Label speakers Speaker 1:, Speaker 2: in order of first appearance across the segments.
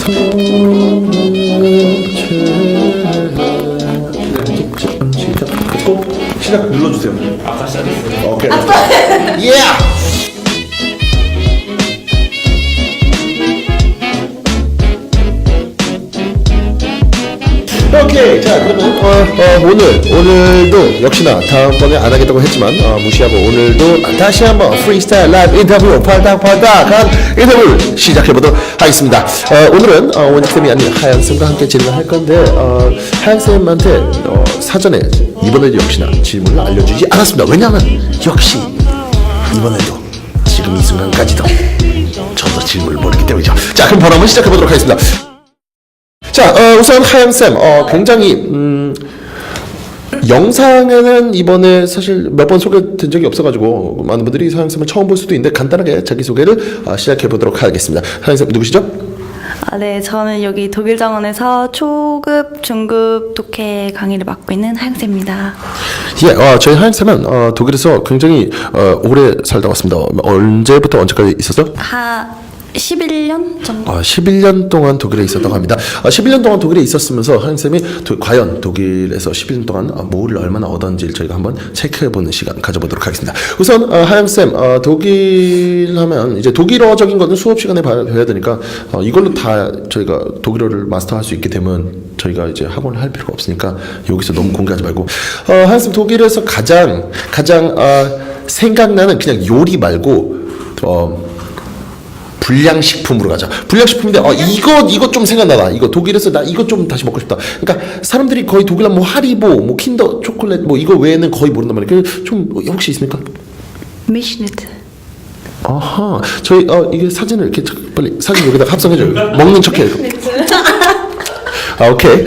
Speaker 1: 시작 눌러주세요.
Speaker 2: 아까 시작했어요.
Speaker 1: 오케이. 예. 오케이. 자, 그러면 오늘도 역시나 다음번에 안 하겠다고 했지만 무시하고 오늘도 다시 한번 프리스타일 라이브 인터뷰 팔딱팔딱한 인터뷰를 시작해 보도록 하겠습니다. 오늘은 원익쌤이 아닌 하양쌤과 함께 진행을 할 건데 하양쌤한테 사전에 이번에도 역시나 질문을 알려주지 않았습니다. 왜냐하면 역시 이번에도 지금 이 순간까지도 저도 질문을 모르기 때문이죠. 자, 그럼 바로 한번 시작해 보도록 하겠습니다. 자, 우선 하양쌤, 굉장히 영상에는 이번에 사실 몇 번 소개된 적이 없어가지고 많은 분들이 하양쌤을 처음 볼 수도 있는데 간단하게 자기소개를 시작해 보도록 하겠습니다. 하양쌤 누구시죠?
Speaker 3: 네, 저는 여기 독일 정원에서 초급, 중급 독해 강의를 맡고 있는 하영쌤입니다.
Speaker 1: 예, 저희 하양쌤은 독일에서 굉장히 오래 살다 왔습니다. 언제부터 언제까지 있었어?
Speaker 3: 11년 정도?
Speaker 1: 11년 동안 독일에 있었다고 합니다. 11년 동안 독일에 있었으면서 하양쌤이 과연 독일에서 11년 동안 뭐를 얼마나 얻었는지를 저희가 한번 체크해보는 시간 가져보도록 하겠습니다. 우선 하양쌤, 독일 하면 이제 독일어적인 거는 수업 시간에 배워야 되니까 이걸로 다 저희가 독일어를 마스터할 수 있게 되면 저희가 이제 학원을 할 필요가 없으니까 여기서 너무 공개하지 말고 하양쌤 독일에서 가장 생각나는 그냥 요리 말고 불량식품으로 가자. 불량식품인데 이거 좀 생각나다. 이거 독일에서 나 이거 좀 다시 먹고 싶다. 그러니까 사람들이 거의 독일은 뭐 하리보, 뭐 킨더 초콜릿 뭐 이거 외에는 거의 모른단 말이에요. 좀 혹시 있습니까?
Speaker 3: 미시니트.
Speaker 1: 아하. 저희 이게 사진을 이렇게 빨리 사진 여기다 합성해줘요. 먹는 척해. 오케이.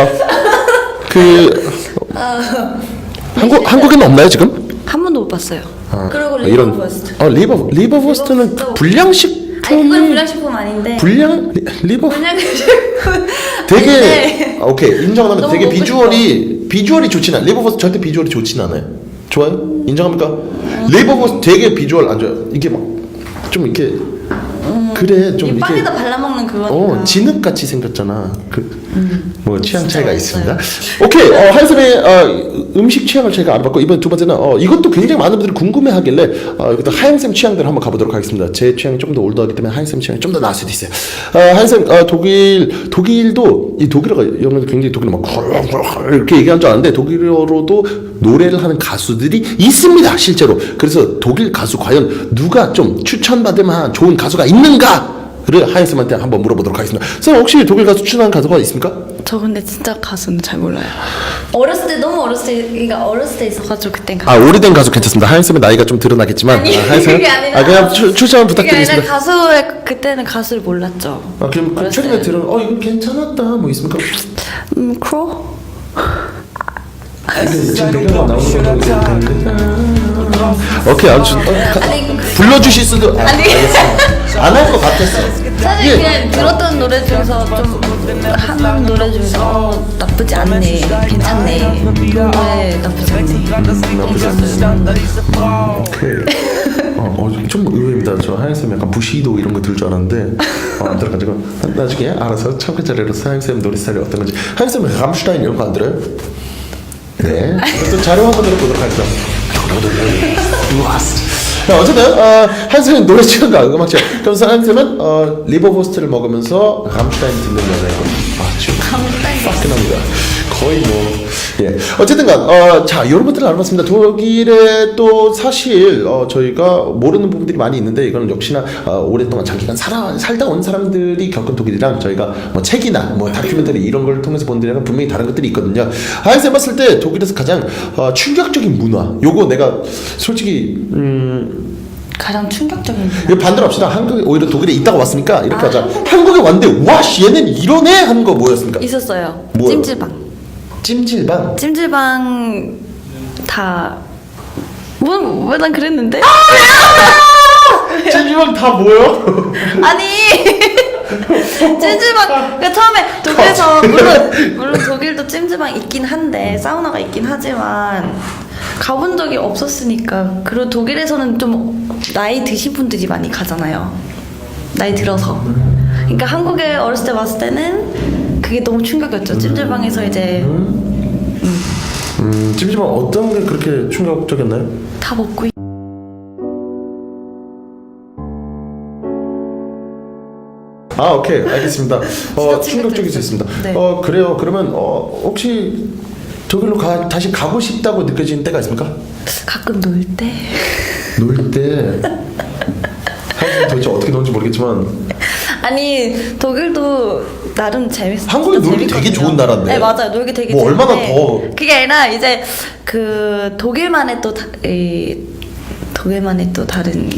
Speaker 1: 한국에는 없나요 지금?
Speaker 3: 한 번도 못 봤어요. 그리고
Speaker 1: 이런
Speaker 3: 리버버스트.
Speaker 1: 리버버스트는 불량식
Speaker 3: 아니, 그건 불량식품 아닌데.
Speaker 1: 리버
Speaker 3: 불량식품.
Speaker 1: 되게
Speaker 3: 아닌데.
Speaker 1: 오케이 인정하면
Speaker 3: 너무
Speaker 1: 되게
Speaker 3: 먹고
Speaker 1: 비주얼이 좋진 않아요. 리버버스 절대 비주얼이 좋진 않아요. 좋아요? 인정합니까? 리버버스 되게 비주얼 안 좋아요. 이게 막 좀 이렇게 그래 좀
Speaker 3: 이
Speaker 1: 이렇게
Speaker 3: 빵에다 발라먹는 그거니까.
Speaker 1: 진흙같이 생겼잖아. 뭐 취향 차이가 있습니다. 오케이 하양쌤의 음식 취향을 제가 알아봤고 이번 두 번째는 이것도 굉장히 많은 분들이 궁금해하길래 이것도 하양쌤 취향대로 한번 가보도록 하겠습니다. 제 취향이 좀 더 올드하기 때문에 하양쌤 취향이 좀 더 나을 수도 있어요. 하양쌤 독일도 이 독일어가 여러분들 굉장히 독일어 막 이렇게 얘기하는 줄 아는데 독일어로도 노래를 하는 가수들이 있습니다 실제로. 그래서 독일 가수 과연 누가 좀 추천받을 만한 좋은 가수가 있는가를 하양쌤한테 한번 물어보도록 하겠습니다. 쌤 혹시 독일 가수 추천하는 가수가 있습니까?
Speaker 3: 저 근데 진짜 가수는 잘 몰라요. 너무 어렸을 때 있어가지고 그땐
Speaker 1: 오래된 가수 괜찮습니다. 하양쌤의 나이가 좀 드러나겠지만 하양쌤
Speaker 3: 그게 아니라
Speaker 1: 그냥 추천 부탁드리겠습니다.
Speaker 3: 그게 아니라 그때는 가수를 몰랐죠.
Speaker 1: 그럼 최근에 들은 이거 괜찮았다 뭐 있습니까?
Speaker 3: 크로?
Speaker 1: 지금 노래가 나오는 거 오케이 아무튼 불러주실 수도 안 할 것 같았어.
Speaker 3: 사실 그냥 들었던 노래 중에서 좀 한 노래 중에서 나쁘지 않네, 괜찮네, 노래 나쁘지 않네.
Speaker 1: 오케이. 좀 의외입니다. 저 하양쌤 약간 부시도 이런 거 들 줄 알았는데 안 들어가지고 나중에 알아서 참고 자리로서 하양쌤 노래 스타일이 어떤 건지. 하양쌤은 람슈타인 이런 거 안 들어요? 네. 또 자료 한번 들어보도록 하죠. 어쨌든 하양쌤은 노래 취향과 음악 취향. 그럼 하양쌤은 리버버스트를 먹으면서 람슈타인 듣는 여자이고 지금 화끈합니다. 거의 뭐 어쨌든간 자 여러분들 알아봤습니다. 독일에 또 사실 저희가 모르는 부분들이 많이 있는데 이거는 역시나 오랫동안 장기간 살다 온 사람들이 겪은 독일이랑 저희가 뭐 책이나 뭐 다큐멘터리 이런 걸 통해서 본 데랑 분명히 다른 것들이 있거든요. 하양쌤 봤을 때 독일에서 가장 충격적인 문화 요거 내가 솔직히
Speaker 3: 가장 충격적인.
Speaker 1: 이거 반대로 합시다. 한국에 오히려 독일에 있다가 왔으니까 이렇게 하자. 한국에 왔는데 와 얘는 이러네 하는 거 뭐였습니까?
Speaker 3: 있었어요.
Speaker 1: 뭐요?
Speaker 3: 찜질방. 찜질방 다. 왜 난 그랬는데?
Speaker 1: 찜질방 다 뭐요?
Speaker 3: 아니 찜질방 그러니까 처음에 독일에서 물론 독일도 찜질방 있긴 한데 사우나가 있긴 하지만 가본 적이 없었으니까. 그리고 독일에서는 좀 나이 드신 분들이 많이 가잖아요. 나이 들어서. 그러니까 한국에 어렸을 때 왔을 때는 그게 너무 충격이었죠. 찜질방에서 이제
Speaker 1: 찜질방 어떤 게 그렇게 충격적이었나요?
Speaker 3: 다 먹고
Speaker 1: 아, 오케이, 알겠습니다.
Speaker 3: 진짜
Speaker 1: 충격적이지 있습니다.
Speaker 3: 네.
Speaker 1: 그래요. 그러면 혹시 독일로 다시 가고 싶다고 느껴지는 때가 있습니까?
Speaker 3: 가끔 놀 때.
Speaker 1: 놀 때. 한국 도대체 어떻게 노는지 모르겠지만
Speaker 3: 아니 독일도 나름 재밌어.
Speaker 1: 한국이 놀기 되게 좋은 나라인데.
Speaker 3: 네 맞아요. 놀기 되게
Speaker 1: 뭐
Speaker 3: 좋은데
Speaker 1: 얼마나 더
Speaker 3: 그게 아니라 이제 그 독일만의 또 독일만의 또 다른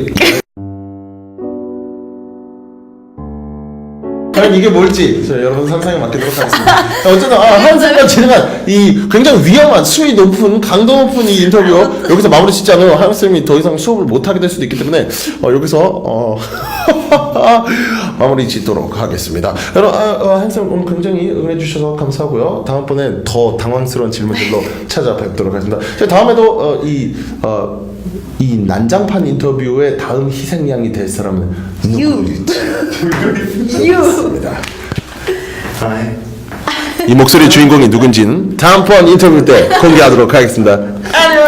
Speaker 1: 과연 이게 뭘지 여러분 상상에 맡기도록 하겠습니다. 어쨌든 한쌤과 진행한 이 굉장히 위험한 수위 높은 강도 높은 이 인터뷰 여기서 마무리 짓지 않으면 한쌤이 더 이상 수업을 못 하게 될 수도 있기 때문에 여기서 마무리 짓도록 하겠습니다. 여러분 한쌤 오늘 굉장히 응해 주셔서 감사하고요. 다음번에 더 당황스러운 질문들로 찾아뵙도록 하겠습니다. 다음에도 이 난장판 인터뷰의 다음 희생양이 될 사람은 누구일지 모르겠습니다. 이 목소리 주인공이 누군지는 다음번 인터뷰 때 공개하도록 하겠습니다. 안녕.